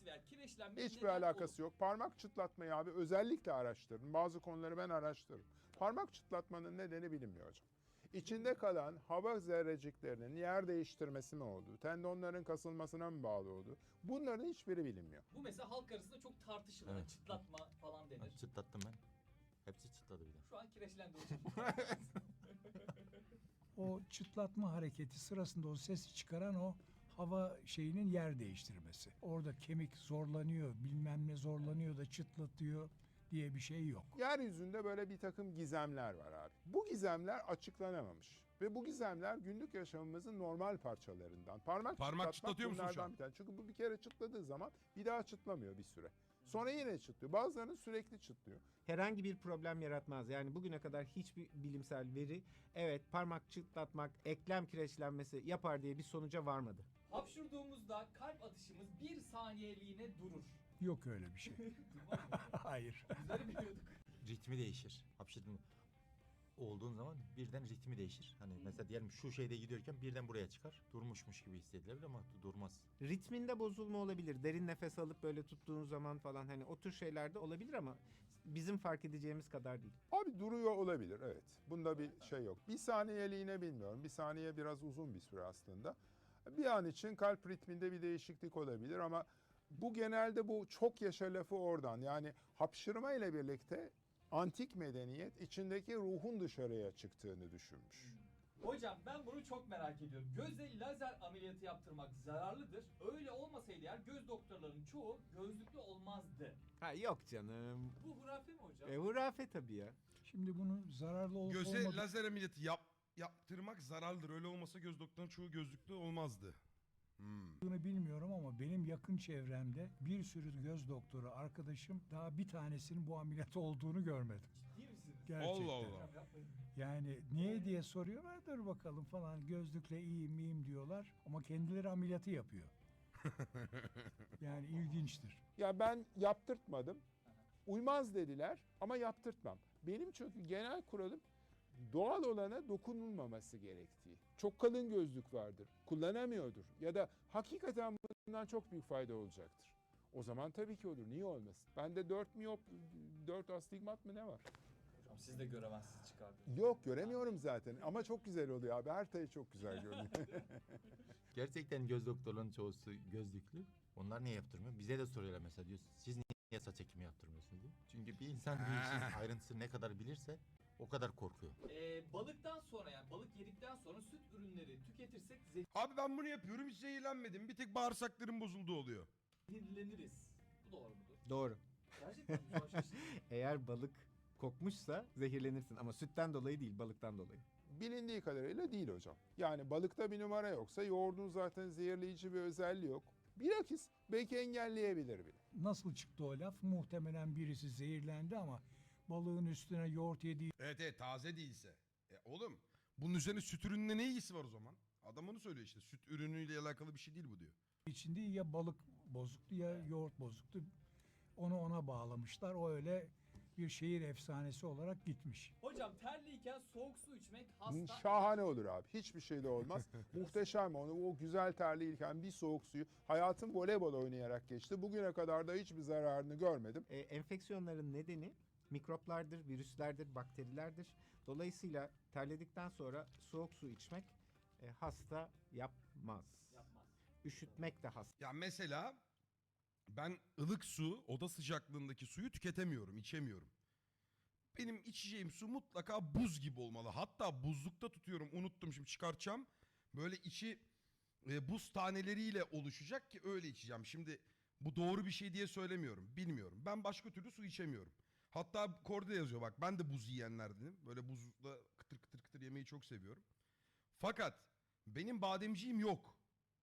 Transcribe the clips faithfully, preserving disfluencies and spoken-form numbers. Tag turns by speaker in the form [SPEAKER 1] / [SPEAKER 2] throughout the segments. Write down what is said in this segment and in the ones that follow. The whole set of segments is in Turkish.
[SPEAKER 1] etkisi veya kireçlenme
[SPEAKER 2] Hiçbir alakası yok. Parmak çıtlatmayı abi özellikle araştırın. Bazı konuları ben araştırırım. Parmak çıtlatmanın nedeni bilinmiyor hocam. İçinde kalan hava zerreciklerinin yer değiştirmesi mi oldu? Tendonların kasılmasına mı bağlı oldu? Bunların hiçbiri bilinmiyor.
[SPEAKER 1] Bu mesela halk arasında çok tartışılır.
[SPEAKER 3] Evet.
[SPEAKER 1] Çıtlatma falan denir.
[SPEAKER 3] Ben çıtlattım ben. Hepsi çıtladı bir de.
[SPEAKER 1] Şu an kireçlendi hocam.
[SPEAKER 4] O çıtlatma hareketi sırasında o sesi çıkaran o hava şeyinin yer değiştirmesi. Orada kemik zorlanıyor, bilmem ne zorlanıyor da çıtlatıyor diye bir şey yok.
[SPEAKER 2] Yeryüzünde böyle bir takım gizemler var abi. Bu gizemler açıklanamamış. Ve bu gizemler günlük yaşamımızın normal parçalarından. Parmak,
[SPEAKER 5] Parmak
[SPEAKER 2] çıtlatmak
[SPEAKER 5] çıtlatıyor musun şu
[SPEAKER 2] bunlardan
[SPEAKER 5] an?
[SPEAKER 2] bir tane. Çünkü bu bir kere çıtladığı zaman bir daha çıtlamıyor bir süre. Sonra yine çıtlıyor. Bazılarının sürekli çıtlıyor.
[SPEAKER 6] Herhangi bir problem yaratmaz. Yani bugüne kadar hiçbir bilimsel veri evet parmak çıtlatmak eklem kireçlenmesi yapar diye bir sonuca varmadı.
[SPEAKER 1] Hapşurduğumuzda kalp atışımız bir saniyeliğine durur.
[SPEAKER 4] Yok öyle bir şey. Hayır.
[SPEAKER 1] Bizleri biliyorduk.
[SPEAKER 3] Ritmi değişir. Hapşırdın olduğun zaman birden ritmi değişir. Hani mesela diyelim şu şeyde gidiyorken birden buraya çıkar. Durmuşmuş gibi hissedilebilir ama durmaz.
[SPEAKER 6] Ritminde bozulma olabilir. Derin nefes alıp böyle tuttuğun zaman falan hani o tür şeyler de olabilir ama bizim fark edeceğimiz kadar değil.
[SPEAKER 2] Abi duruyor olabilir, evet. Bunda bir şey yok. Bir saniyeliğine bilmiyorum. Bir saniye biraz uzun bir süre aslında. Bir an için kalp ritminde bir değişiklik olabilir ama bu genelde bu çok yaşa lafı oradan. Yani hapşırma ile birlikte antik medeniyet içindeki ruhun dışarıya çıktığını düşünmüş.
[SPEAKER 1] Hocam ben bunu çok merak ediyorum. Göze lazer ameliyatı yaptırmak zararlıdır. Öyle olmasaydı eğer göz doktorlarının çoğu gözlüklü olmazdı.
[SPEAKER 6] Ha yok canım.
[SPEAKER 1] Bu hurafe mi hocam?
[SPEAKER 6] E hurafe tabii ya.
[SPEAKER 4] Şimdi bunun zararlı olup
[SPEAKER 5] Göze
[SPEAKER 4] olmadığı
[SPEAKER 5] lazer ameliyatı yap, yaptırmak zararlıdır. Öyle olmasa göz doktorunun çoğu gözlüklü olmazdı.
[SPEAKER 4] Bunu bilmiyorum ama benim yakın çevremde bir sürü göz doktoru arkadaşım daha bir tanesinin bu ameliyat olduğunu görmedim.
[SPEAKER 1] Ciddi misiniz?
[SPEAKER 4] Gerçekten.
[SPEAKER 5] Allah Allah.
[SPEAKER 1] Hocam yapmayın.
[SPEAKER 4] Yani niye diye soruyorlar, dur bakalım falan, gözlükle iyiyim iyiyim diyorlar ama kendileri ameliyatı yapıyor. Yani ilginçtir.
[SPEAKER 2] Ya ben yaptırtmadım. Uymaz dediler ama yaptırtmam. Benim çünkü genel kuralım doğal olana dokunulmaması gerektiği. Çok kalın gözlük vardır, kullanamıyordur ya da hakikaten bundan çok büyük fayda olacaktır. O zaman tabii ki olur, niye olmasın? Bende dört miyop, dört astigmat mı ne var?
[SPEAKER 1] Hocam siz de göremezsiniz çıkardınız.
[SPEAKER 2] Yok, göremiyorum zaten ama çok güzel oluyor abi, her tayı çok güzel görünüyor.
[SPEAKER 3] Gerçekten göz doktorlarının çoğusu gözlüklü. Onlar niye yaptırmıyor? Bize de soruyorlar mesela, diyor siz niye saç ekimi yaptırmıyorsunuz diye. Çünkü bir insan bir işin ayrıntısını ne kadar bilirse o kadar korkuyor.
[SPEAKER 1] Ee, balıktan sonra yani balık yedikten sonra süt ürünleri tüketirsek
[SPEAKER 5] Abi ben bunu yapıyorum, hiç zehirlenmedim. Bir tek bağırsaklarım bozulduğu oluyor.
[SPEAKER 1] zehirleniriz. Bu doğru mudur?
[SPEAKER 6] Doğru.
[SPEAKER 1] Gerçekten mi? Şu an şaşırdım.
[SPEAKER 6] Eğer balık kokmuşsa zehirlenirsin ama sütten dolayı değil balıktan dolayı.
[SPEAKER 2] Bilindiği kadarıyla değil hocam. Yani balıkta bir numara yoksa yoğurdun zaten zehirleyici bir özelliği yok. Bilakis belki engelleyebilir bile.
[SPEAKER 4] Nasıl çıktı o laf? Muhtemelen birisi zehirlendi ama balığın üstüne yoğurt yediği
[SPEAKER 5] Evet evet, taze değilse. E oğlum bunun üzerine süt ürününe ne ilgisi var o zaman? Adam onu söylüyor işte, süt ürünüyle alakalı bir şey değil bu diyor.
[SPEAKER 4] için değil, ya balık bozuktu ya yoğurt bozuktu. Onu ona bağlamışlar. O öyle bir şehir efsanesi olarak gitmiş.
[SPEAKER 1] Hocam terliyken soğuk su içmek hasta...
[SPEAKER 2] Şahane olur abi. Hiçbir şey de olmaz. Muhteşem onu. O güzel terliyken bir soğuk suyu. Hayatım voleybol oynayarak geçti. Bugüne kadar da hiçbir zararını görmedim.
[SPEAKER 6] E, enfeksiyonların nedeni mikroplardır, virüslerdir, bakterilerdir. Dolayısıyla terledikten sonra soğuk su içmek e, hasta yapmaz.
[SPEAKER 1] Yapmaz.
[SPEAKER 6] Üşütmek de hasta.
[SPEAKER 5] Ya mesela ben ılık su, oda sıcaklığındaki suyu tüketemiyorum, içemiyorum. Benim içeceğim su mutlaka buz gibi olmalı. Hatta buzlukta tutuyorum, unuttum şimdi çıkartacağım. Böyle içi e, buz taneleriyle oluşacak ki öyle içeceğim. Şimdi bu doğru bir şey diye söylemiyorum, bilmiyorum. Ben başka türlü su içemiyorum. Hatta korda yazıyor bak, ben de buz yiyenlerdenim. Böyle buzla kıtır kıtır kıtır yemeyi çok seviyorum. Fakat benim bademciğim yok.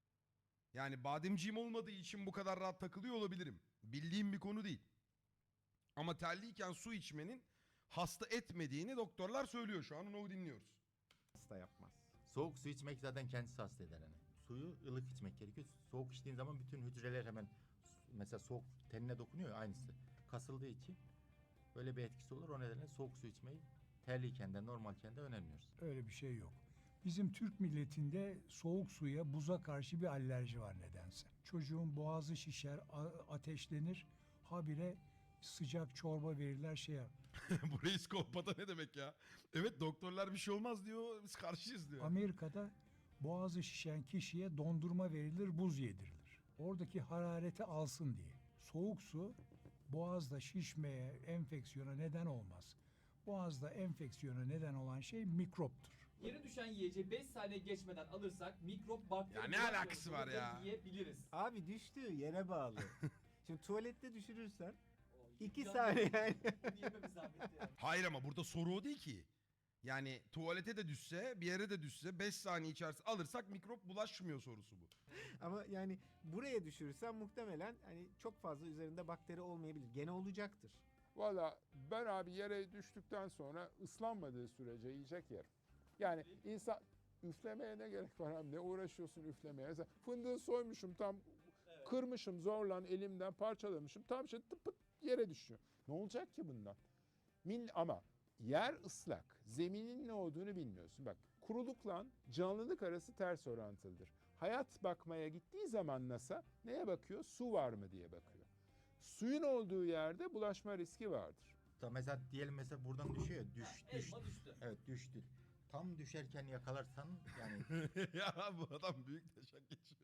[SPEAKER 5] Yani bademciğim olmadığı için bu kadar rahat takılıyor olabilirim. Bildiğim bir konu değil. Ama terliyken su içmenin hasta etmediğini doktorlar söylüyor. Şu an onu dinliyoruz.
[SPEAKER 6] Hasta yapmaz.
[SPEAKER 3] Soğuk su içmek zaten kendisi hasta eder hani. Suyu ılık içmek gerekiyor. Soğuk içtiğin zaman bütün hücreler hemen mesela soğuk tenine dokunuyor ya, aynısı. Kasıldığı için böyle bir etkisi olur. O nedenle soğuk su içmeyi terliyken de normalken de önermiyoruz.
[SPEAKER 4] Öyle bir şey yok. Bizim Türk milletinde soğuk suya, buza karşı bir alerji var nedense. Çocuğun boğazı şişer, a- ateşlenir, habire sıcak çorba verirler şey yap.
[SPEAKER 5] Bu reis kolpata ne demek ya? Evet doktorlar bir şey olmaz diyor. Biz karşıyız diyor.
[SPEAKER 4] Amerika'da boğazı şişen kişiye dondurma verilir, buz yedirilir. Oradaki harareti alsın diye. Soğuk su boğazda şişmeye, enfeksiyona neden olmaz. Boğazda enfeksiyona neden olan şey mikroptur.
[SPEAKER 1] Yere düşen yiyeceği beş saniye geçmeden alırsak mikrop bakteri
[SPEAKER 5] Ya ne
[SPEAKER 1] bulaşmamış
[SPEAKER 5] alakası var
[SPEAKER 1] olur ve
[SPEAKER 5] ya?
[SPEAKER 1] Yiyebiliriz.
[SPEAKER 6] Abi düştüğü yere bağlı. Şimdi tuvalette düşürürsen
[SPEAKER 1] O,
[SPEAKER 6] iki
[SPEAKER 1] imkanı
[SPEAKER 6] saniye
[SPEAKER 1] yok.
[SPEAKER 6] yani.
[SPEAKER 1] Yememiz zahmetli yani.
[SPEAKER 5] Hayır ama burada soru o değil ki. Yani tuvalete de düşse, bir yere de düşse beş saniye içerisinde alırsak mikrop bulaşmıyor sorusu bu.
[SPEAKER 6] Ama yani buraya düşürürsen muhtemelen hani çok fazla üzerinde bakteri olmayabilir. Gene olacaktır.
[SPEAKER 2] Valla ben abi yere düştükten sonra ıslanmadığı sürece yiyecek yerim. Yani insan üflemeye ne gerek var abi? Ne uğraşıyorsun üflemeye? Mesela fındığı soymuşum tam
[SPEAKER 1] Evet.
[SPEAKER 2] kırmışım zorla elimden parçalamışım. Tam şey tıp pıt yere düşüyor. Ne olacak ki bundan? Min ama yer ıslak. Zeminin ne olduğunu bilmiyorsun. Bak kurulukla canlılık arası ters orantılıdır. Hayat bakmaya gittiği zaman NASA neye bakıyor? Su var mı diye bakıyor. Suyun olduğu yerde bulaşma riski vardır.
[SPEAKER 3] Da mesela diyelim mesela buradan düşüyor ya, düş düş.
[SPEAKER 1] Elma düştü.
[SPEAKER 3] Evet düştü. Tam düşerken yakalarsan yani
[SPEAKER 5] Ya bu adam büyük taşak geçiyor.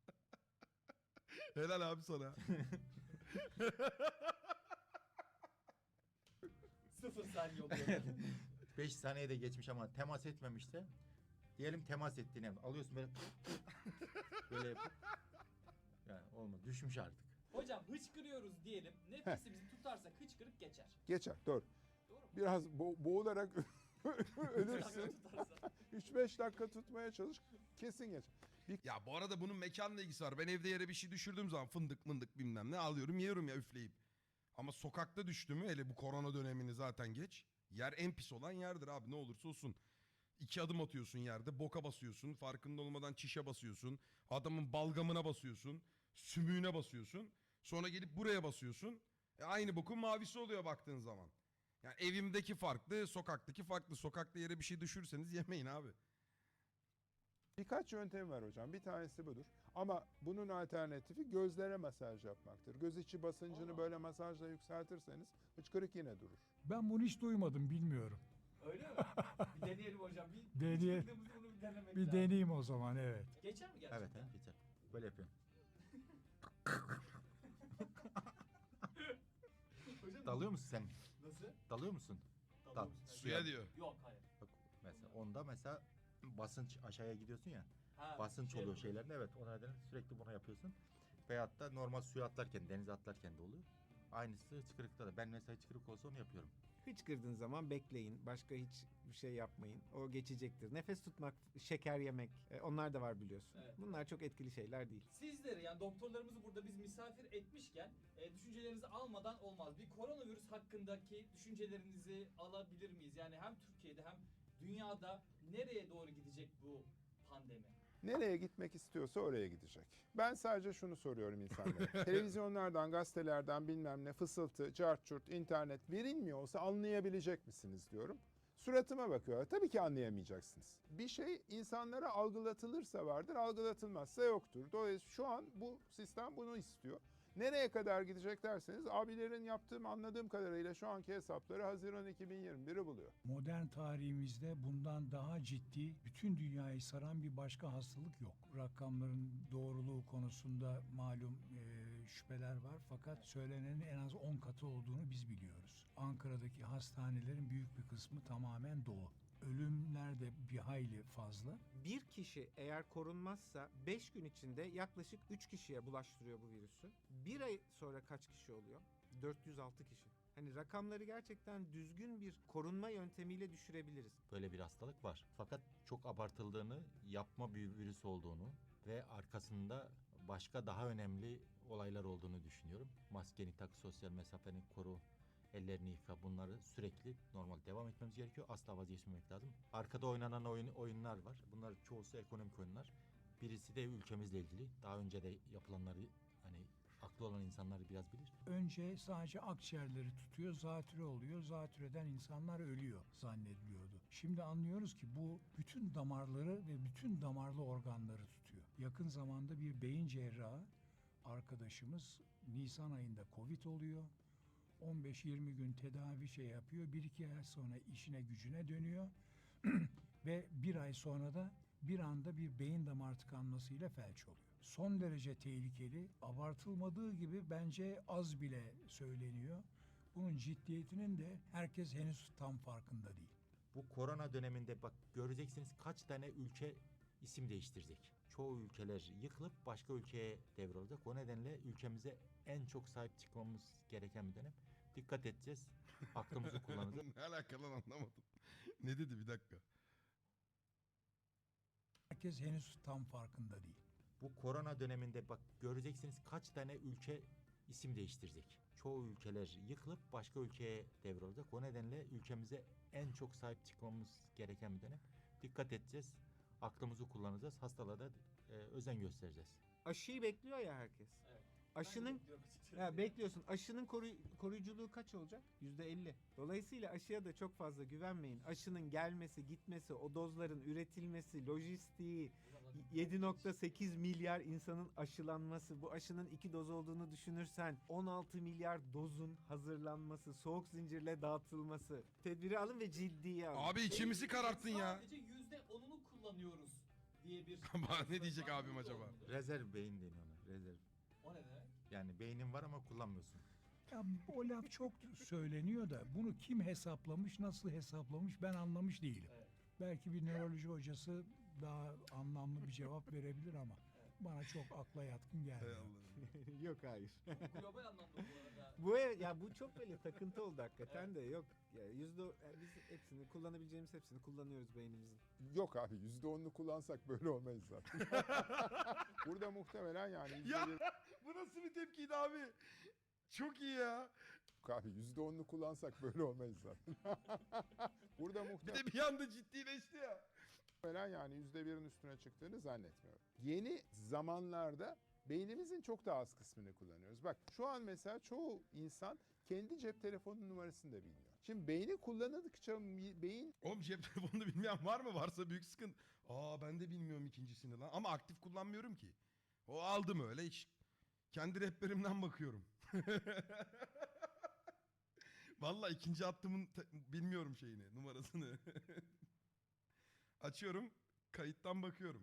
[SPEAKER 5] Helal abi sana.
[SPEAKER 1] Sıfır saniye oluyor.
[SPEAKER 3] beş saniyede geçmiş ama temas etmemişse diyelim temas ettiğini alıyorsun böyle böyle yapıp yani olmadı düşmüş artık.
[SPEAKER 1] Hocam hıçkırıyoruz diyelim. Nefesimizi tutarsak hıçkırık geçer.
[SPEAKER 2] Geçer doğru.
[SPEAKER 1] Doğru mu?
[SPEAKER 2] Biraz bo- boğularak ölürsün.
[SPEAKER 1] Tutarsa.
[SPEAKER 2] üç beş dakika tutmaya çalış kesin geçer.
[SPEAKER 5] Ya bu arada bunun mekanla ilgisi var. Ben evde yere bir şey düşürdüğüm zaman fındık mındık bilmem ne alıyorum yiyorum ya üfleyip. Ama sokakta düştü mü hele bu korona dönemini zaten geç. Yer en pis olan yerdir abi ne olursa olsun. İki adım atıyorsun yerde boka basıyorsun. Farkında olmadan çişe basıyorsun. Adamın balgamına basıyorsun. Sümüğüne basıyorsun. Sonra gelip buraya basıyorsun. E aynı bokun mavisi oluyor baktığın zaman. Yani evimdeki farklı, sokaktaki farklı. Sokakta yere bir şey düşürseniz yemeyin abi.
[SPEAKER 2] Birkaç yöntem var hocam. Bir tanesi budur. Ama bunun alternatifi gözlere masaj yapmaktır. Göz içi basıncını
[SPEAKER 1] Aa.
[SPEAKER 2] böyle masajla yükseltirseniz hıçkırık yine durur.
[SPEAKER 4] Ben bunu hiç duymadım, bilmiyorum.
[SPEAKER 1] Öyle mi? Bir deneyelim hocam. Bir,
[SPEAKER 4] Deneye-
[SPEAKER 1] hıçkırdığımızda bunu bir denemek
[SPEAKER 4] Bir
[SPEAKER 1] lazım.
[SPEAKER 4] deneyeyim o zaman, evet.
[SPEAKER 1] Geçer mi gerçekten?
[SPEAKER 3] Evet he geçer. Böyle yapıyorum.
[SPEAKER 1] Hocam,
[SPEAKER 3] Dalıyor musun sen?
[SPEAKER 1] Nasıl?
[SPEAKER 3] Dalıyor musun?
[SPEAKER 1] Dalıyor
[SPEAKER 3] Dal.
[SPEAKER 1] musun?
[SPEAKER 5] Suya diyor.
[SPEAKER 1] Yok hayır.
[SPEAKER 3] Bak mesela onda mesela basınç aşağıya gidiyorsun ya.
[SPEAKER 1] Ha,
[SPEAKER 3] Basınç
[SPEAKER 1] şey
[SPEAKER 3] oluyor
[SPEAKER 1] yapıyor.
[SPEAKER 3] şeylerde evet o nedenle sürekli bunu yapıyorsun. Veyahut da normal suya atlarken denize atlarken de oluyor. Aynısı hıçkırıkta da. Ben mesela hıçkırık olsa onu yapıyorum.
[SPEAKER 6] Hıçkırdığın zaman bekleyin. Başka hiç bir şey yapmayın. O geçecektir. Nefes tutmak, şeker yemek e, onlar da var biliyorsun.
[SPEAKER 1] Evet.
[SPEAKER 6] Bunlar çok etkili şeyler değil.
[SPEAKER 1] Sizleri yani doktorlarımızı burada biz misafir etmişken e, düşüncelerinizi almadan olmaz. Bir koronavirüs hakkındaki düşüncelerinizi alabilir miyiz? Yani hem Türkiye'de hem dünyada nereye doğru gidecek bu pandemi?
[SPEAKER 2] Nereye gitmek istiyorsa oraya gidecek. Ben sadece şunu soruyorum insanlara. Televizyonlardan, gazetelerden bilmem ne fısıltı, cart çurt, internet verilmiyor olsa anlayabilecek misiniz diyorum. Suratıma bakıyorlar. Tabii ki anlayamayacaksınız. Bir şey insanlara algılatılırsa vardır, algılatılmazsa yoktur. Dolayısıyla şu an bu sistem bunu istiyor. Nereye kadar gidecek derseniz abilerin yaptığım anladığım kadarıyla şu anki hesapları Haziran iki bin yirmi bir'i buluyor.
[SPEAKER 4] Modern tarihimizde bundan daha ciddi, bütün dünyayı saran bir başka hastalık yok. Rakamların doğruluğu konusunda malum e, şüpheler var, fakat söylenenin en az on katı olduğunu biz biliyoruz. Ankara'daki hastanelerin büyük bir kısmı tamamen dolu. Ölümler de bir hayli fazla.
[SPEAKER 6] Bir kişi eğer korunmazsa beş gün içinde yaklaşık üç kişiye bulaştırıyor bu virüsü. Bir ay sonra kaç kişi oluyor? dört yüz altı kişi. Hani rakamları gerçekten düzgün bir korunma yöntemiyle düşürebiliriz.
[SPEAKER 3] Böyle bir hastalık var. Fakat çok abartıldığını, yapma bir virüs olduğunu ve arkasında başka daha önemli olaylar olduğunu düşünüyorum. Maskeni tak, sosyal mesafeni koru, ellerini yıka, bunları sürekli normal devam etmemiz gerekiyor. Asla vazgeçmemek lazım. Arkada oynanan oyun, oyunlar var. Bunlar çoğusu ekonomik oyunlar. Birisi de ülkemizle ilgili. Daha önce de yapılanları hani aklı olan insanlar biraz bilir.
[SPEAKER 4] Önce sadece akciğerleri tutuyor, zatürre oluyor. Zatürreden insanlar ölüyor zannediliyordu. Şimdi anlıyoruz ki bu bütün damarları ve bütün damarlı organları tutuyor. Yakın zamanda bir beyin cerrahı arkadaşımız Nisan ayında Covid oluyor. on beş yirmi gün tedavi şey yapıyor. Bir iki ay sonra işine gücüne dönüyor. Ve bir ay sonra da bir anda bir beyin damar tıkanmasıyla felç oluyor. Son derece tehlikeli, abartılmadığı gibi bence az bile söyleniyor. Bunun ciddiyetinin de herkes henüz tam farkında değil.
[SPEAKER 3] Bu korona döneminde bak göreceksiniz kaç tane ülke isim değiştirecek. Çoğu ülkeler yıkılıp başka ülkeye devrolacak. O nedenle ülkemize en çok sahip çıkmamız gereken bir dönem. Dikkat edeceğiz. Aklımızı kullanacağız.
[SPEAKER 5] Ne alakalı lan anlamadım. Ne dedi bir dakika.
[SPEAKER 4] Herkes henüz tam farkında değil.
[SPEAKER 3] Bu korona döneminde bak göreceksiniz kaç tane ülke isim değiştirecek. Çoğu ülkeler yıkılıp başka ülkeye devrolacak. O nedenle ülkemize en çok sahip çıkmamız gereken bir dönem. Dikkat edeceğiz. Aklımızı kullanacağız. Hastalığa da e, özen göstereceğiz.
[SPEAKER 6] Aşıyı bekliyor ya herkes.
[SPEAKER 1] Evet.
[SPEAKER 6] Aşının
[SPEAKER 1] bekliyorum açıkçası.
[SPEAKER 6] ya bekliyorsun. Aşının koruy- koruyuculuğu kaç olacak? yüzde elli. Dolayısıyla aşıya da çok fazla güvenmeyin. Aşının gelmesi, gitmesi, o dozların üretilmesi, lojistiği, yedi nokta sekiz milyar insanın aşılanması, bu aşının iki doz olduğunu düşünürsen on altı milyar dozun hazırlanması, soğuk zincirle dağıtılması. Tedbiri alın ve ciddiye alın.
[SPEAKER 5] Abi içimizi kararttın ya.
[SPEAKER 1] Sadece yüzde onunu kullanıyoruz diye bir...
[SPEAKER 5] Ama ne diyecek abim acaba?
[SPEAKER 3] Rezerv beyin deniyor ona. Rezerv.
[SPEAKER 1] O ne demek?
[SPEAKER 3] Yani beynin var ama kullanmıyorsun.
[SPEAKER 4] Ya o laf çok söyleniyor da bunu kim hesaplamış, nasıl hesaplamış ben anlamış değilim.
[SPEAKER 1] Evet.
[SPEAKER 4] Belki bir nöroloji hocası daha anlamlı bir cevap verebilir ama bana çok akla yatkın
[SPEAKER 5] Hay
[SPEAKER 4] gelmiyor.
[SPEAKER 5] Allah'ım.
[SPEAKER 6] Yok hayır.
[SPEAKER 1] Global anlamda bu arada.
[SPEAKER 6] Bu ev- ya bu çok böyle takıntı oldu hakikaten de yok. Ya yüzde yani biz hepsini kullanabileceğimiz hepsini kullanıyoruz beynimizin.
[SPEAKER 2] Yok abi yüzde onunu kullansak böyle olmayız zaten. Burada muhtemelen yani yüzde
[SPEAKER 5] Ya
[SPEAKER 2] bir-
[SPEAKER 5] bu nasıl bir tepkiydi abi? Çok iyi ya.
[SPEAKER 2] abi yüzde onunu kullansak böyle olmayız zaten. Burada
[SPEAKER 5] Bir
[SPEAKER 2] muhtemelen
[SPEAKER 5] de bir anda ciddileşti ya.
[SPEAKER 2] yani yüzde birin üstüne çıktığını zannetmiyorum. Yeni zamanlarda beynimizin çok daha az kısmını kullanıyoruz. Bak şu an mesela çoğu insan kendi cep telefonu numarasını da bilmiyor. Şimdi beyni kullanıldıkça mi- beyin
[SPEAKER 5] Oğlum cep telefonunu bilmeyen var mı? Varsa büyük sıkıntı. Aa ben de bilmiyorum ikincisini lan. Ama aktif kullanmıyorum ki. O aldım öyle hiç. Kendi rehberimden bakıyorum. Vallahi ikinci attığımın te- bilmiyorum şeyini, numarasını. Açıyorum, kayıttan bakıyorum.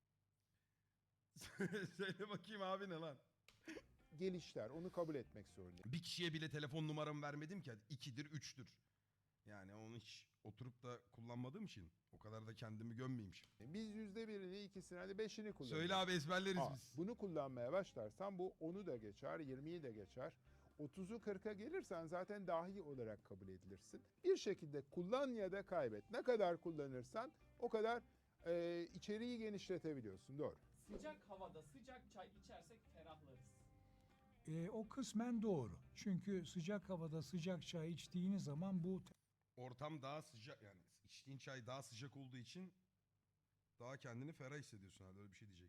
[SPEAKER 5] Söyle bakayım abi ne lan?
[SPEAKER 2] gelişler. Onu kabul etmek zorundayız.
[SPEAKER 5] Bir kişiye bile telefon numaramı vermedim ki. ikidir, üçtür. Yani onu hiç oturup da kullanmadığım için o kadar da kendimi gömmeyeyim şimdi.
[SPEAKER 2] Biz yüzde birini, ikisini, hadi beşini kullanıyoruz.
[SPEAKER 5] Söyle abi ezberleriz
[SPEAKER 2] Aa,
[SPEAKER 5] biz.
[SPEAKER 2] bunu kullanmaya başlarsan bu onu da geçer, yirmiyi de geçer. otuzu kırka gelirsen zaten dahi olarak kabul edilirsin. Bir şekilde kullan ya da kaybet. Ne kadar kullanırsan o kadar e, içeriği genişletebiliyorsun. Doğru.
[SPEAKER 1] Sıcak havada sıcak çay içersek ferahlarız.
[SPEAKER 4] E, o kısmen doğru. Çünkü sıcak havada sıcak çay içtiğiniz zaman bu
[SPEAKER 5] Ortam daha sıcak yani içtiğin çay daha sıcak olduğu için daha kendini ferah hissediyorsun herhalde öyle bir şey diyecek.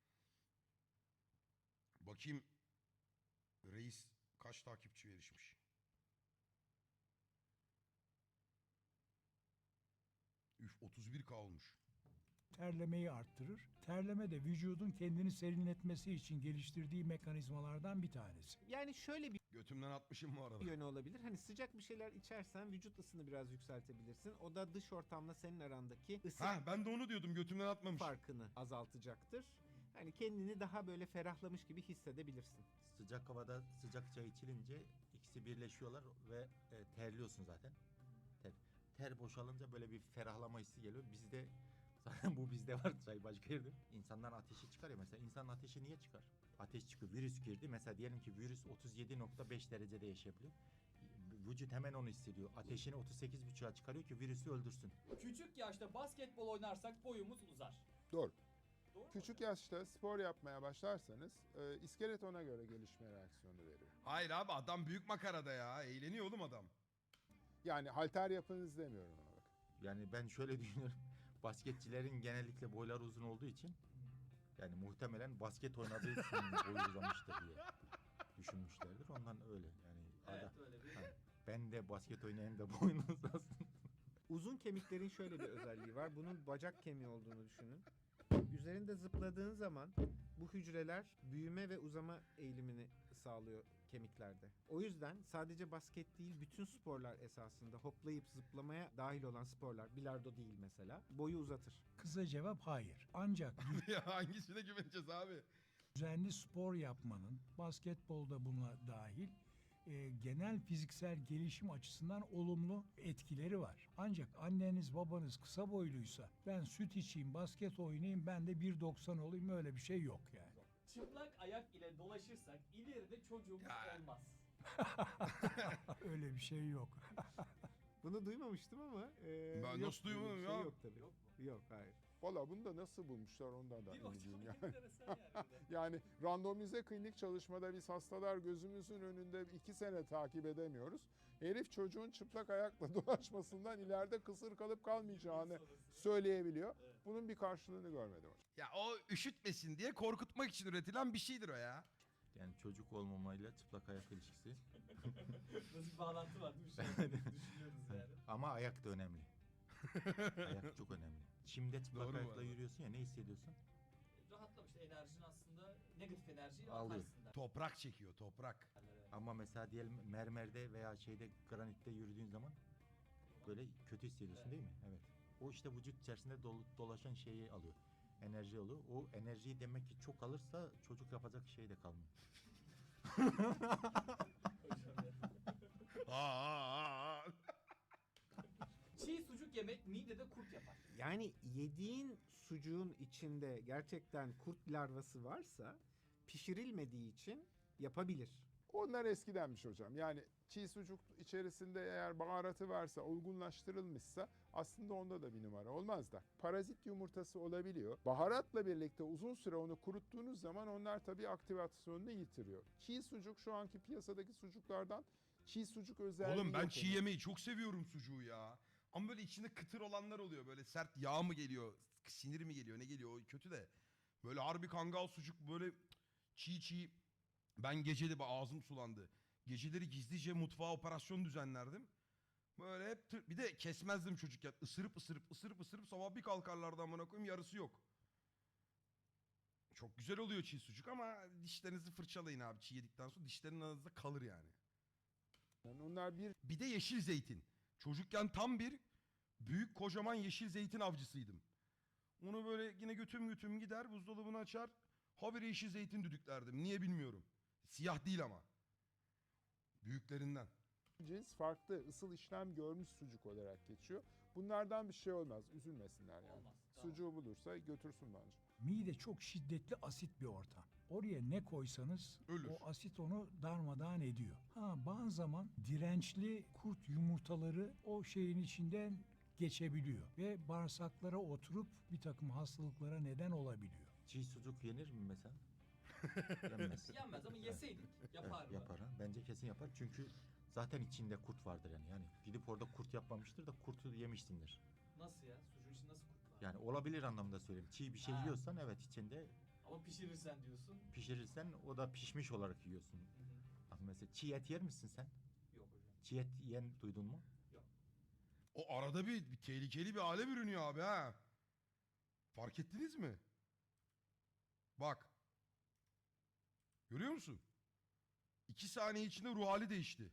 [SPEAKER 5] Bakayım reis kaç takipçi erişmiş. Üf otuz bir K olmuş.
[SPEAKER 4] terlemeyi arttırır. Terleme de vücudun kendini serinletmesi için geliştirdiği mekanizmalardan bir tanesi.
[SPEAKER 6] Yani şöyle bir
[SPEAKER 5] Götümden atmışım bu arada.
[SPEAKER 6] yönü olabilir. Hani sıcak bir şeyler içersen vücut ısını biraz yükseltebilirsin. O da dış ortamla senin arandaki ısı
[SPEAKER 5] Ha ben de onu diyordum götümden atmamış.
[SPEAKER 6] farkını azaltacaktır. Hani kendini daha böyle ferahlamış gibi hissedebilirsin.
[SPEAKER 3] Sıcak havada sıcak çay içilince ikisi birleşiyorlar ve e, terliyorsun zaten. Ter, ter boşalınca böyle bir ferahlama hissi geliyor. Bizde zaten bu bizde var çay başka yerde. İnsanların ateşi çıkar ya mesela. İnsanın ateşi niye çıkar? Ateş çıkıyor. Virüs girdi. Mesela diyelim ki virüs otuz yedi nokta beş derecede yaşayabiliyor. Vücut hemen onu hissediyor. Ateşini otuz sekiz buçuğa çıkarıyor ki virüsü öldürsün.
[SPEAKER 1] Küçük yaşta basketbol oynarsak boyumuz uzar.
[SPEAKER 2] Doğru.
[SPEAKER 1] Doğru mu?
[SPEAKER 2] Küçük yaşta spor yapmaya başlarsanız e, iskelet ona göre gelişme reaksiyonu veriyor.
[SPEAKER 5] Hayır abi adam büyük makarada ya. Eğleniyor oğlum adam.
[SPEAKER 2] Yani halter yapınız demiyorum ona bak.
[SPEAKER 3] Yani ben şöyle düşünüyorum. Basketçilerin genellikle boyları uzun olduğu için yani muhtemelen basket oynadığı için boyu uzamıştır diye düşünmüşlerdir. Ondan öyle yani.
[SPEAKER 1] Evet
[SPEAKER 3] Ada-
[SPEAKER 1] öyle bir.
[SPEAKER 3] Ha, ben de basket oynayayım da boyun uzasın.
[SPEAKER 6] Uzun kemiklerin şöyle bir özelliği var. Bunun bacak kemiği olduğunu düşünün. Üzerinde zıpladığın zaman bu hücreler büyüme ve uzama eğilimini sağlıyor kemiklerde. O yüzden sadece basket değil, bütün sporlar esasında hoplayıp zıplamaya dahil olan sporlar, bilardo değil mesela, boyu uzatır.
[SPEAKER 4] Kısa cevap hayır. Ancak
[SPEAKER 5] Ya hangisine güveneceğiz abi?
[SPEAKER 4] düzenli spor yapmanın, basketbolda buna dahil, e, genel fiziksel gelişim açısından olumlu etkileri var. Ancak anneniz babanız kısa boyluysa ben süt içeyim, basket oynayayım, ben de bir doksan olayım, öyle bir şey yok yani.
[SPEAKER 1] Çıplak ayak ile dolaşırsak ileride çocuğumuz
[SPEAKER 5] Ya.
[SPEAKER 1] olmaz.
[SPEAKER 4] Öyle bir şey yok.
[SPEAKER 6] Bunu duymamıştım ama e,
[SPEAKER 5] Ben
[SPEAKER 6] yok,
[SPEAKER 5] nasıl
[SPEAKER 6] böyle bir
[SPEAKER 5] duymadım
[SPEAKER 6] şey
[SPEAKER 5] ya?
[SPEAKER 6] Yok tabii.
[SPEAKER 1] Yok mu?
[SPEAKER 6] Yok, hayır.
[SPEAKER 2] Valla bunu da nasıl bulmuşlar ondan da
[SPEAKER 1] Değil mi
[SPEAKER 2] emin
[SPEAKER 1] hocam?
[SPEAKER 2] değilim yani.
[SPEAKER 1] Enteresan yani. bir de.
[SPEAKER 2] Yani randomize klinik çalışmada biz hastalar gözümüzün önünde iki sene takip edemiyoruz. Herif çocuğun çıplak ayakla dolaşmasından ileride kısır kalıp kalmayacağını
[SPEAKER 1] Sonrası.
[SPEAKER 2] söyleyebiliyor.
[SPEAKER 1] Evet.
[SPEAKER 2] Bunun bir karşılığını görmedim hocam.
[SPEAKER 5] Ya o üşütmesin diye korkutmak için üretilen bir şeydir o ya.
[SPEAKER 3] Yani çocuk olmamayla çıplak ayak ilişkisi.
[SPEAKER 1] Nasıl bir bağlantı var değil mi? Şu an düşünüyoruz yani.
[SPEAKER 3] Ama ayak da önemli. Ayak çok önemli. Çimde çıplak
[SPEAKER 5] Doğru bu
[SPEAKER 3] ayakla
[SPEAKER 5] arada.
[SPEAKER 3] yürüyorsun ya, ne hissediyorsun?
[SPEAKER 1] Rahatlamış enerjin aslında negatif enerjiyi
[SPEAKER 3] Alıyor.
[SPEAKER 1] atarsın der.
[SPEAKER 5] Toprak çekiyor toprak.
[SPEAKER 1] Evet.
[SPEAKER 3] Ama mesela diyelim mermerde veya şeyde granitte yürüdüğün zaman böyle kötü hissediyorsun
[SPEAKER 1] Evet.
[SPEAKER 3] değil mi? Evet. O işte vücut içerisinde dolu- dolaşan şeyi alıyor. Enerji alıyor. O enerjiyi demek ki çok alırsa çocuk yapacak şey de kalmıyor.
[SPEAKER 1] Hocam ya.
[SPEAKER 5] Aa, aa, aa.
[SPEAKER 1] Çiğ sucuk yemek midede kurt yapar.
[SPEAKER 6] Yani yediğin sucuğun içinde gerçekten kurt larvası varsa pişirilmediği için yapabilir.
[SPEAKER 2] Onlar eskidenmiş hocam. Yani çiğ sucuk içerisinde eğer baharatı varsa, olgunlaştırılmışsa aslında onda da bir numara olmaz da. Parazit yumurtası olabiliyor. Baharatla birlikte uzun süre onu kuruttuğunuz zaman onlar tabii aktivasyonunu yitiriyor. Çiğ sucuk şu anki piyasadaki sucuklardan çiğ sucuk özelliği
[SPEAKER 5] Oğlum ben
[SPEAKER 2] yok
[SPEAKER 5] çiğ
[SPEAKER 2] onun.
[SPEAKER 5] yemeği çok seviyorum sucuğu ya. Ama böyle içinde kıtır olanlar oluyor. Böyle sert yağ mı geliyor, sinir mi geliyor, ne geliyor o kötü de. Böyle harbi kangal sucuk böyle çiğ çiğ. Ben geceli bak ağzım sulandı. Geceleri gizlice mutfağa operasyon düzenlerdim. Böyle hep tır- bir de kesmezdim çocukken. Isırıp ısırıp ısırıp ısırıp sabah bir kalkarlardı amına koyayım, yarısı yok. Çok güzel oluyor çiğ sucuk ama dişlerinizi fırçalayın abi çiğ yedikten sonra, dişlerin arasında kalır yani.
[SPEAKER 2] Yani onlar bir
[SPEAKER 5] Bir de yeşil zeytin. Çocukken tam bir büyük kocaman yeşil zeytin avcısıydım. Onu böyle yine götüm götüm gider buzdolabını açar. Habire yeşil zeytin düdüklerdim. Niye bilmiyorum. Siyah değil ama. Büyüklerinden.
[SPEAKER 2] cins farklı ısıl işlem görmüş sucuk olarak geçiyor. Bunlardan bir şey olmaz. Üzülmesinler yani.
[SPEAKER 1] Olmaz. Tamam.
[SPEAKER 2] Sucuğu bulursa götürsün bence.
[SPEAKER 4] Mide çok şiddetli asit bir ortam. Oraya ne koysanız
[SPEAKER 5] Ölür.
[SPEAKER 4] o asit onu darmadağın ediyor. Ha, bazı zaman dirençli kurt yumurtaları o şeyin içinden geçebiliyor ve bağırsaklara oturup bir takım hastalıklara neden olabiliyor.
[SPEAKER 3] Çiğ sucuk yenir mi mesela? Yenmez.
[SPEAKER 1] Yenmez ama yeseydik yapar
[SPEAKER 3] Evet,
[SPEAKER 1] mı?
[SPEAKER 3] yapar ha. Bence kesin yapar. Çünkü zaten içinde kurt vardır yani. Yani gidip orada kurt yapmamıştır da kurtu yemişsindir.
[SPEAKER 1] Nasıl ya? Sucuğun içinde nasıl kurt var?
[SPEAKER 3] Yani olabilir anlamında söyleyeyim. Çiğ bir şey
[SPEAKER 1] Ha.
[SPEAKER 3] yiyorsan evet içinde,
[SPEAKER 1] Ama pişirirsen diyorsun.
[SPEAKER 3] pişirirsen o da pişmiş olarak yiyorsun.
[SPEAKER 1] Hı hı.
[SPEAKER 3] Bak mesela çiğ et yer misin sen?
[SPEAKER 1] Yok hocam.
[SPEAKER 3] Çiğ et yiyen duydun mu?
[SPEAKER 5] O arada bir, bir tehlikeli bir hale bürünüyor abi ha. Fark ettiniz mi? Bak. Görüyor musun? İki saniye içinde ruh hali değişti.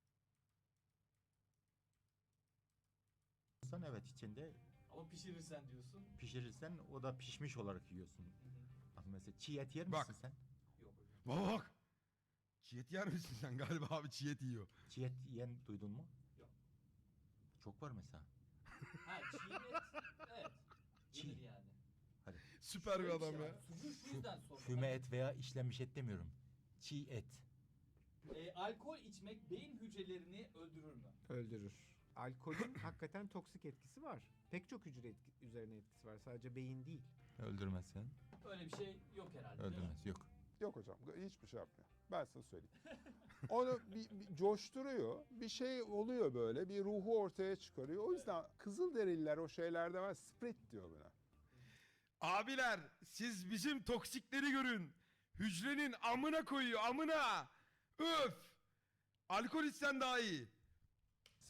[SPEAKER 3] Sen evet içinde,
[SPEAKER 1] Ama pişirirsen diyorsun.
[SPEAKER 3] pişirirsen o da pişmiş olarak yiyorsun.
[SPEAKER 1] Hı hı.
[SPEAKER 3] Bak mesela çiğ et yer
[SPEAKER 5] Bak.
[SPEAKER 3] misin sen?
[SPEAKER 1] Yok hocam.
[SPEAKER 5] Baba bak. Çiğ et yer misin sen? Galiba abi çiğ et yiyor.
[SPEAKER 3] Çiğ et yiyen duydun mu?
[SPEAKER 1] Yok.
[SPEAKER 3] Çok var mesela.
[SPEAKER 1] Ha çiğ et. Evet.
[SPEAKER 3] Çiğ.
[SPEAKER 1] Yenir yani.
[SPEAKER 5] Süper bir
[SPEAKER 1] Şöyle
[SPEAKER 5] adam
[SPEAKER 1] şey
[SPEAKER 5] ya.
[SPEAKER 1] var, Sucuğu şu yüzden sordum.
[SPEAKER 3] Füme et veya işlenmiş et demiyorum. Çiğ et.
[SPEAKER 1] E, alkol içmek beyin hücrelerini öldürür mü?
[SPEAKER 6] Öldürür. Alkolün hakikaten toksik etkisi var. Pek çok hücre etki- üzerine etkisi var. Sadece beyin değil.
[SPEAKER 3] Öldürmez sen.
[SPEAKER 1] Öyle bir şey yok herhalde. değil mi?
[SPEAKER 3] Öldürmez. Yok.
[SPEAKER 2] Yok hocam hiçbir şey yapmıyor. Ben size söyleyeyim. Onu bir, bir coşturuyor. Bir şey oluyor böyle. Bir ruhu ortaya çıkarıyor. O yüzden Kızılderililer o şeylerde var. Sprit diyor buna.
[SPEAKER 5] Abiler siz bizim toksikleri görün. Hücrenin amına koyuyor amına. Öf. Alkol içsen daha iyi.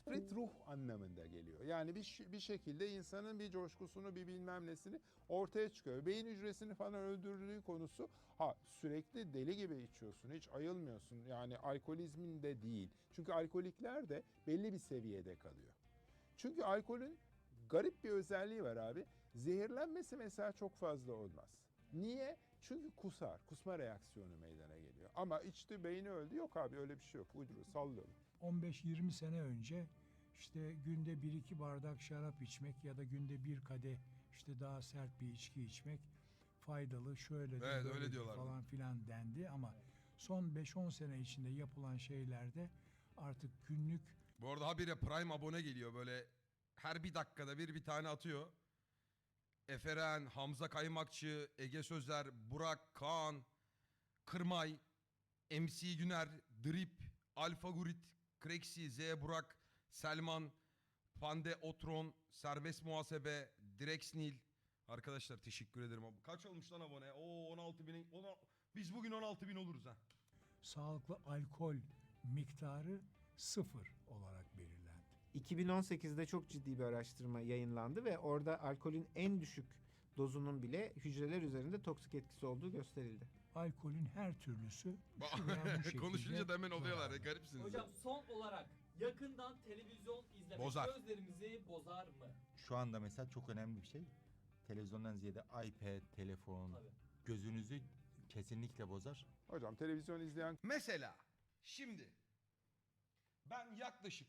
[SPEAKER 2] Esprit ruh anlamında geliyor. Yani bir, ş- bir şekilde insanın bir coşkusunu, bir bilmem nesini ortaya çıkıyor. Beyin hücresini falan öldürdüğü konusu, ha sürekli deli gibi içiyorsun, hiç ayılmıyorsun. Yani alkolizmin de değil. Çünkü alkolikler de belli bir seviyede kalıyor. Çünkü alkolün garip bir özelliği var abi. Zehirlenmesi mesela çok fazla olmaz. Niye? Çünkü kusar, kusma reaksiyonu meydana geliyor. Ama içti, beyni öldü. Yok abi, öyle bir şey yok. Uyduruyor, sallıyorum.
[SPEAKER 4] on beş yirmi sene önce işte günde bir iki bardak şarap içmek ya da günde bir kadeh işte daha sert bir içki içmek faydalı, şöyle de
[SPEAKER 5] Evet, öyle
[SPEAKER 4] böyle de
[SPEAKER 5] diyorlardı.
[SPEAKER 4] falan filan dendi ama son beş on sene içinde yapılan şeylerde artık günlük
[SPEAKER 5] Bu arada habire Prime abone geliyor böyle her bir dakikada bir bir tane atıyor. Eferen, Hamza Kaymakçı, Ege Sözer, Burak, Kaan, Kırmay, M C Güner, Drip, Alfa Gurit, Krexi, Z Burak, Selman, Pande Otron, Serbest Muhasebe, Drexnil. Arkadaşlar teşekkür ederim. Kaç olmuş lan abone? Oo on altı bin. ona- Biz bugün on altı bin oluruz ha.
[SPEAKER 4] sağlıklı alkol miktarı sıfır olarak belirlendi.
[SPEAKER 6] iki bin on sekizde çok ciddi bir araştırma yayınlandı ve orada alkolün en düşük dozunun bile hücreler üzerinde toksik etkisi olduğu gösterildi.
[SPEAKER 4] Alkolün her türlüsü şu veya bu şekilde
[SPEAKER 5] Konuşunca da hemen oluyorlar.
[SPEAKER 4] zararlı.
[SPEAKER 5] Garipsiniz.
[SPEAKER 1] Hocam son olarak yakından televizyon izlemek
[SPEAKER 5] Bozar.
[SPEAKER 1] gözlerimizi bozar mı?
[SPEAKER 3] Şu anda mesela çok önemli bir şey. Televizyondan ziyade iPad, telefon
[SPEAKER 1] Tabii.
[SPEAKER 3] gözünüzü kesinlikle bozar.
[SPEAKER 2] Hocam televizyon izleyen
[SPEAKER 5] Mesela şimdi ben yaklaşık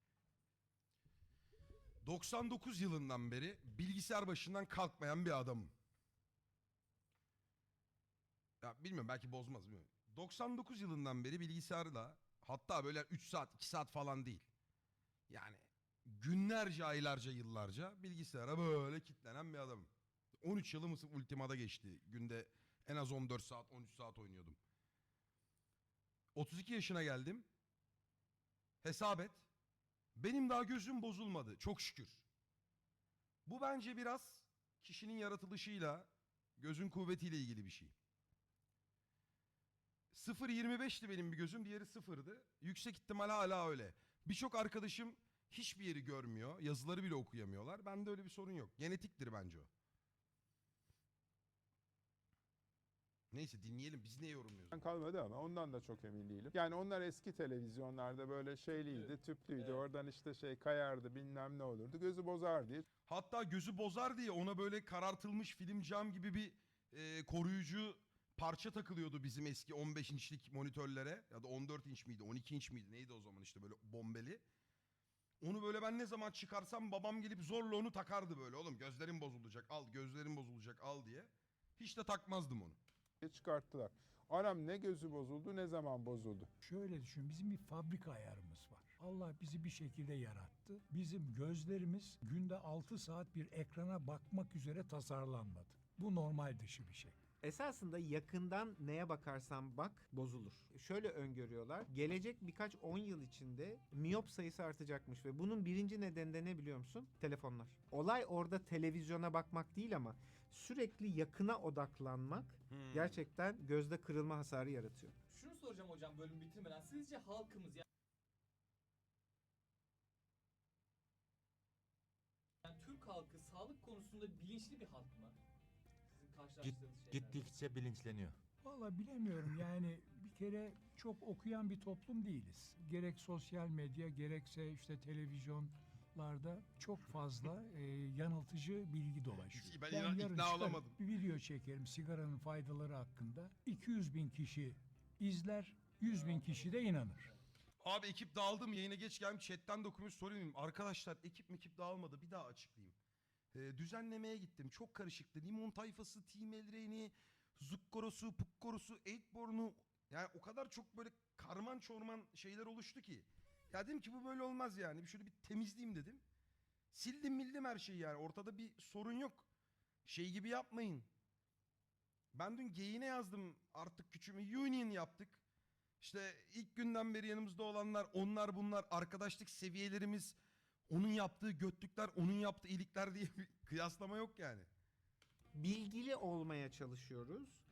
[SPEAKER 5] doksan dokuz yılından beri bilgisayar başından kalkmayan bir adamım. Ya bilmiyorum, belki bozmaz mı? doksan dokuz yılından beri bilgisayarla, hatta böyle üç saat iki saat falan değil. Yani günlerce, aylarca, yıllarca bilgisayara böyle kilitlenen bir adamım. on üç yılım Ultima'da geçti. Günde en az on dört saat on üç saat oynuyordum. otuz iki yaşına geldim. Hesap et. Benim daha gözüm bozulmadı çok şükür. Bu bence biraz kişinin yaratılışıyla, gözün kuvvetiyle ilgili bir şey. sıfır yirmi beşti benim bir gözüm, diğeri sıfırdı. Yüksek ihtimal hala öyle. Birçok arkadaşım hiçbir yeri görmüyor, yazıları bile okuyamıyorlar. Bende öyle bir sorun yok. Genetiktir bence o. Neyse dinleyelim, biz ne yorumluyoruz?
[SPEAKER 2] kalmadı ama ondan da çok emin değilim. Yani onlar eski televizyonlarda böyle şeyliydi, tüplüydü.
[SPEAKER 1] Evet.
[SPEAKER 2] Oradan işte şey kayardı, bilmem ne olurdu. Gözü bozar diye.
[SPEAKER 5] Hatta gözü bozar diye ona böyle karartılmış film cam gibi bir e, koruyucu parça takılıyordu bizim eski on beş inçlik monitörlere. Ya da on dört inç miydi, on iki inç miydi, neydi o zaman, işte böyle bombeli. Onu böyle ben ne zaman çıkarsam babam gelip zorla onu takardı böyle. Oğlum gözlerin bozulacak, al gözlerin bozulacak, al diye. Hiç de takmazdım onu.
[SPEAKER 2] Çıkarttılar. Anam ne gözü bozuldu, ne zaman bozuldu.
[SPEAKER 4] Şöyle düşün, bizim bir fabrika ayarımız var. Allah bizi bir şekilde yarattı. Bizim gözlerimiz günde altı saat bir ekrana bakmak üzere tasarlanmadı. Bu normal dışı bir şey.
[SPEAKER 6] Esasında yakından neye bakarsan bak bozulur. Şöyle öngörüyorlar. Gelecek birkaç on yıl içinde miyop sayısı artacakmış ve bunun birinci nedeni de ne biliyor musun? Telefonlar. Olay orada televizyona bakmak değil ama sürekli yakına odaklanmak
[SPEAKER 5] Hmm.
[SPEAKER 6] gerçekten gözde kırılma hasarı yaratıyor.
[SPEAKER 1] Şunu soracağım hocam bölüm bitirmeden. Sizce halkımız yani yani Türk halkı sağlık konusunda bilinçli bir halk mı? Sizin karşılaştığınız şeyler.
[SPEAKER 3] Gittikçe bilinçleniyor.
[SPEAKER 4] Vallahi bilemiyorum, yani bir kere çok okuyan bir toplum değiliz. Gerek sosyal medya gerekse işte televizyonlarda çok fazla e, yanıltıcı bilgi dolaşıyor.
[SPEAKER 5] Ben inan-
[SPEAKER 4] yarın
[SPEAKER 5] ikna
[SPEAKER 4] çıkarıp
[SPEAKER 5] olamadım.
[SPEAKER 4] bir video çekerim sigaranın faydaları hakkında. iki yüz bin kişi izler, yüz bin kişi de inanır.
[SPEAKER 5] Abi ekip dağıldı mı? Yayına geç geldim. Chatten de okumuş sorayım. Arkadaşlar ekip ekip dağılmadı. Bir daha açıklayayım. Ee, düzenlemeye gittim. Çok karışıktı. Limon tayfası, Team Elreyni, Zukkorosu, Pukkorosu, Eightborn'u. Yani o kadar çok böyle karman çorman şeyler oluştu ki. Ya dedim ki bu böyle olmaz yani. Bir şöyle bir temizleyeyim dedim. Sildim mildim her şeyi yani. Ortada bir sorun yok. Şey gibi yapmayın. Ben dün geyine yazdım. Artık küçüğümü union yaptık. İşte ilk günden beri yanımızda olanlar, onlar bunlar, arkadaşlık seviyelerimiz, onun yaptığı götlükler, onun yaptığı iyilikler diye bir kıyaslama yok yani.
[SPEAKER 6] Bilgili olmaya çalışıyoruz.
[SPEAKER 1] Öğrenmeye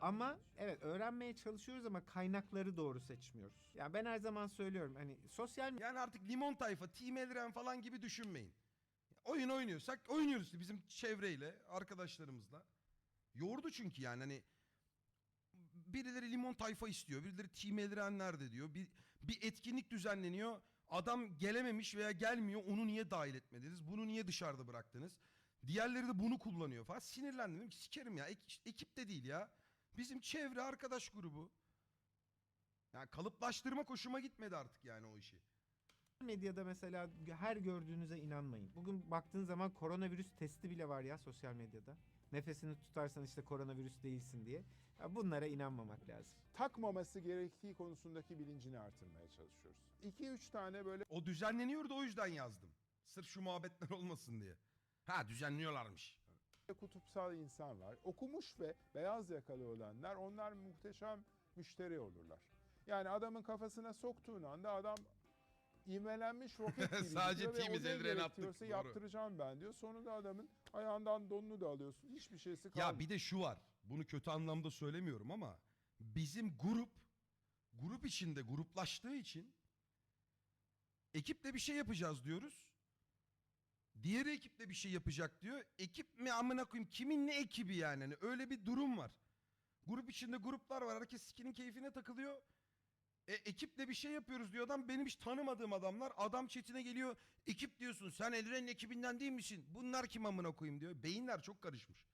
[SPEAKER 6] Ama evet öğrenmeye çalışıyoruz ama kaynakları doğru seçmiyoruz. Yani ben her zaman söylüyorum hani sosyal
[SPEAKER 5] Yani artık limon tayfa, Team Elren falan gibi düşünmeyin. Oyun oynuyorsak oynuyoruz işte bizim çevreyle, arkadaşlarımızla. Yordu çünkü yani hani birileri limon tayfa istiyor, birileri Team Elren nerede diyor. Bir, bir etkinlik düzenleniyor. Adam gelememiş veya gelmiyor. Onu niye dahil etmediniz? Bunu niye dışarıda bıraktınız? Diğerleri de bunu kullanıyor falan. Sinirlendim. Dedim ki sikerim ya. Ek- ekip de değil ya. Bizim çevre arkadaş grubu. Yani kalıplaştırma hoşuma gitmedi artık yani o işi.
[SPEAKER 6] medyada mesela her gördüğünüze inanmayın. Bugün baktığın zaman koronavirüs testi bile var ya sosyal medyada. Nefesini tutarsan işte koronavirüs değilsin diye. Ya bunlara inanmamak lazım.
[SPEAKER 2] Takmaması gerektiği konusundaki bilincini artırmaya çalışıyoruz. iki üç tane böyle
[SPEAKER 5] O düzenleniyordu o yüzden yazdım. Sırf şu muhabbetler olmasın diye. Ha düzenliyorlarmış.
[SPEAKER 2] kutupsal insan var. Okumuş ve beyaz yakalı olanlar, onlar muhteşem müşteri olurlar. Yani adamın kafasına soktuğun anda adam ivmelenmiş roket gibi
[SPEAKER 5] Sadece
[SPEAKER 2] gidiyor ve
[SPEAKER 5] temiz
[SPEAKER 2] o ne
[SPEAKER 5] eldiveni attık,
[SPEAKER 2] gerekiyorsa
[SPEAKER 5] doğru.
[SPEAKER 2] yaptıracağım ben diyor. Sonunda adamın ayağından donunu da alıyorsun. Hiçbir şeysi kalmıyor.
[SPEAKER 5] Ya bir de şu var. Bunu kötü anlamda söylemiyorum ama bizim grup grup içinde gruplaştığı için ekiple bir şey yapacağız diyoruz. Diğer ekiple bir şey yapacak diyor. Ekip mi amına koyayım? Kimin ne ekibi yani? Hani öyle bir durum var. Grup içinde gruplar var. Herkes sikinin keyfine takılıyor. E, ekiple bir şey yapıyoruz diyor adam. Benim hiç tanımadığım adamlar. Adam chatine geliyor. Ekip diyorsun. Sen Elren'in ekibinden değil misin? Bunlar kim amına koyayım diyor. Beyinler çok karışmış.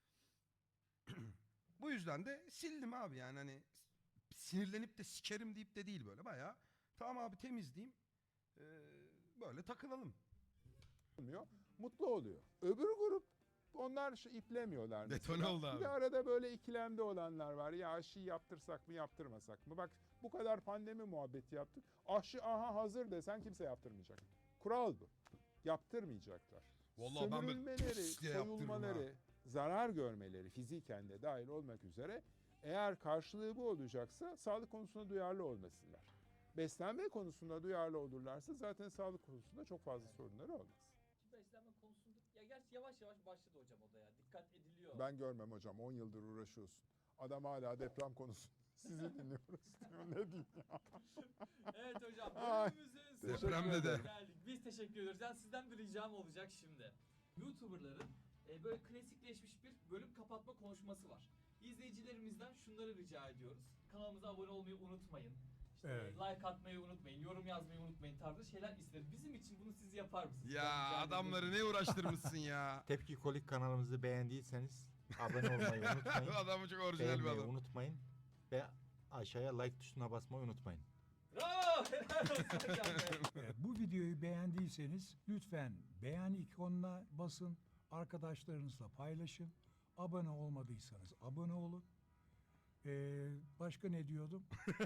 [SPEAKER 5] Bu yüzden de sildim abi yani hani sinirlenip de sikerim deyip de değil böyle bayağı. Tamam abi temizleyeyim. Ee, böyle takılalım.
[SPEAKER 2] olmuyor. Mutlu oluyor. Öbür grup onlar şu iplemiyorlar mesela.
[SPEAKER 5] Detone oldu
[SPEAKER 2] Bir
[SPEAKER 5] abi.
[SPEAKER 2] de arada böyle ikilemde olanlar var. Ya aşıyı yaptırsak mı yaptırmasak mı? Bak bu kadar pandemi muhabbeti yaptık. Aşı aha hazır desen kimse yaptırmayacak. Kural bu. Yaptırmayacaklar.
[SPEAKER 5] Vallahi ben böyle
[SPEAKER 2] Sömürülmeleri,
[SPEAKER 5] pıs diye yaptırırım
[SPEAKER 2] soyulmaları, zarar görmeleri fiziken de dahil olmak üzere eğer karşılığı bu olacaksa sağlık konusunda duyarlı olmasınlar. Beslenme konusunda duyarlı olurlarsa zaten sağlık konusunda çok fazla sorunları olmaz.
[SPEAKER 1] Ki beslenme konusunda ya gerçi yavaş yavaş başladı hocam o da ya. Dikkat ediliyor.
[SPEAKER 2] Ben görmem hocam. on yıldır uğraşıyorsun. Adam hala deprem konusu. Sizi dinliyoruz diyor. Ne diyeyim ya?
[SPEAKER 1] Evet hocam.
[SPEAKER 2] Ay,
[SPEAKER 1] Bölümümüzün
[SPEAKER 2] teşekkür
[SPEAKER 5] Depremde de.
[SPEAKER 2] ederim.
[SPEAKER 1] geldik. Biz teşekkür ediyoruz. Yani sizden bir ricam olacak şimdi. YouTuber'ların e, böyle klasikleşmiş bir bölüm kapatma konuşması var. İzleyicilerimizden şunları rica ediyoruz. Kanalımıza abone olmayı unutmayın. İşte
[SPEAKER 4] Evet.
[SPEAKER 1] like atmayı unutmayın, yorum yazmayı unutmayın tarzı şeyler isteriz. Bizim için bunu siz yapar mısınız?
[SPEAKER 5] Ya
[SPEAKER 1] Ben rica
[SPEAKER 5] adamları
[SPEAKER 1] ediyorum.
[SPEAKER 5] ne uğraştırmışsın ya.
[SPEAKER 3] Tepki Kolik kanalımızı beğendiyseniz abone olmayı unutmayın.
[SPEAKER 5] Adamı çok orijinal bir
[SPEAKER 3] Beğenmeyi
[SPEAKER 5] adam.
[SPEAKER 3] unutmayın. Ve aşağıya like tuşuna basmayı unutmayın.
[SPEAKER 1] Bravo! Helal olsun hocam be.
[SPEAKER 4] Evet, bu videoyu beğendiyseniz lütfen beğen ikonuna basın, arkadaşlarınızla paylaşın. Abone olmadıysanız abone olun. Ee, başka ne diyordum?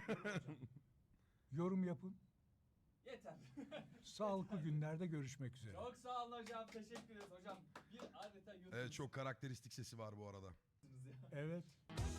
[SPEAKER 4] Yorum yapın.
[SPEAKER 1] Yeter.
[SPEAKER 4] Sağlıklı günlerde görüşmek üzere.
[SPEAKER 1] Çok sağ olun hocam. Teşekkür ederiz hocam. Bir adeta YouTube'sunuz
[SPEAKER 5] Evet çok karakteristik sesi var bu arada.
[SPEAKER 1] ya.
[SPEAKER 4] Evet.